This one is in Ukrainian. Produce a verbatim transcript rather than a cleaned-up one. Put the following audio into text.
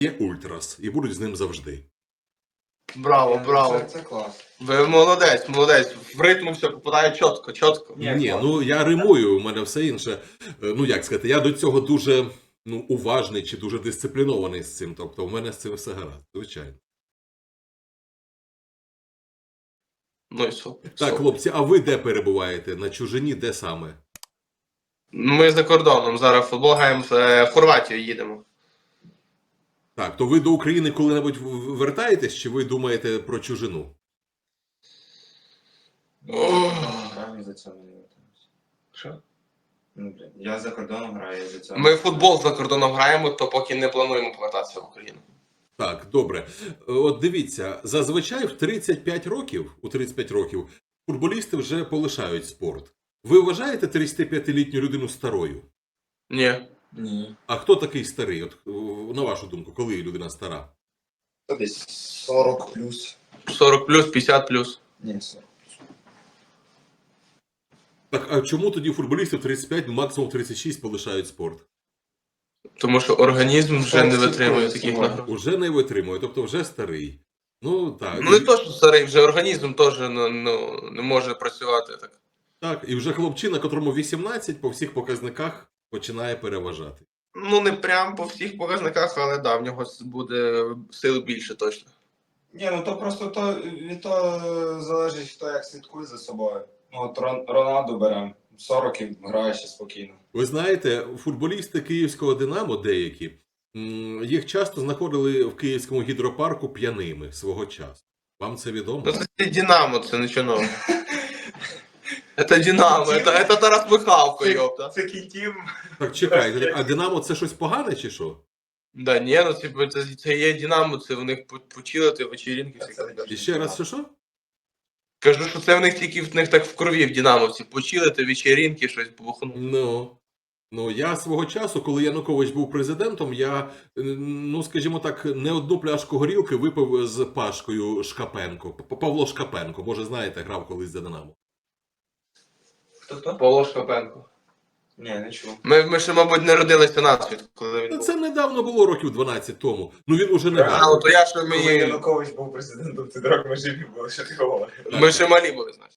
є ультрас і будуть з ним завжди. Браво, браво. Це, це клас. Ви молодець, молодець. В ритм все попадає чітко, чітко. Ні, Ні, ну я римую, у мене все інше. Е, Ну як сказати, я до цього дуже ну, уважний чи дуже дисциплінований з цим. Тобто в мене з цим все гаразд, звичайно. Ну і супер. Так, супер. хлопці, а ви де перебуваєте? На чужині, де саме? Ми за кордоном зараз футбол граємо, в Хорватію їдемо. Так, то ви до України коли-небудь в- в- вертаєтесь, чи ви думаєте про чужину? Граю за цього не вертаюся. Що? Ну, блін, я за кордоном граю за цього. Ми в футбол за кордоном граємо, то поки не плануємо повертатися в Україну. Так, добре. От дивіться, зазвичай в тридцять п'ять років, у тридцять п'ять років, футболісти вже полишають спорт. Ви вважаєте тридцятип'ятилітню людину старою? Ні. Ні. А хто такий старий? От, о, на вашу думку, коли людина стара? Це десь сорок плюс. сорок плюс, п'ятдесят плюс. Ні, сорок. Так, а чому тоді футболісти в тридцять п'ять, максимум тридцять шість полишають спорт? Тому що організм вже не Сорок витримує плюс, таких ну, нагрузок. Уже не витримує, тобто вже старий. Ну, так. Ну не то, що старий, вже організм теж ну, ну, не може працювати так. Так, і вже хлопчина, котрому вісімнадцять, по всіх показниках починає переважати. Ну не прям по всіх показниках, але да, в нього буде сил більше точно. Ні, ну то просто то, від того залежить, хто як слідкує за собою. Ну от Рон- Роналду беремо. сорок і грає ще спокійно. Ви знаєте, футболісти київського «Динамо» деякі, м, їх часто знаходили в київському гідропарку п'яними свого часу. Вам це відомо? Ну це Динамо, це нічого нового. Це Динамо, це, це Тарас Михалко, йопта. Це кінтів. Так, чекайте, а «Динамо» це щось погане чи що? Да ні, ну типу, це, це є Динамо, це в них почилити вечірінки всякі. І ще раз, що що? Кажу, що це в них тільки в них так в крові в Динамовці. Почилити вечірінки, щось побухнути. Ну, ну, я свого часу, коли Янукович був президентом, я, е, ну, скажімо так, не одну пляшку горілки випив з Пашкою Шкапенко. П- Павло Шкапенко, може, знаєте, грав колись за «Динамо». Хто хто? Павло Шкапенко. Ні, не чув. Ми, ми ще, мабуть, не родилися насвіт, коли він Та був. це недавно було, років дванадцять тому. Ну, він уже не А, грав. от то я що Коли ми, Янукович був президентом, ти дорог ми живі були, що ти говориш. ми ще малі були, значить.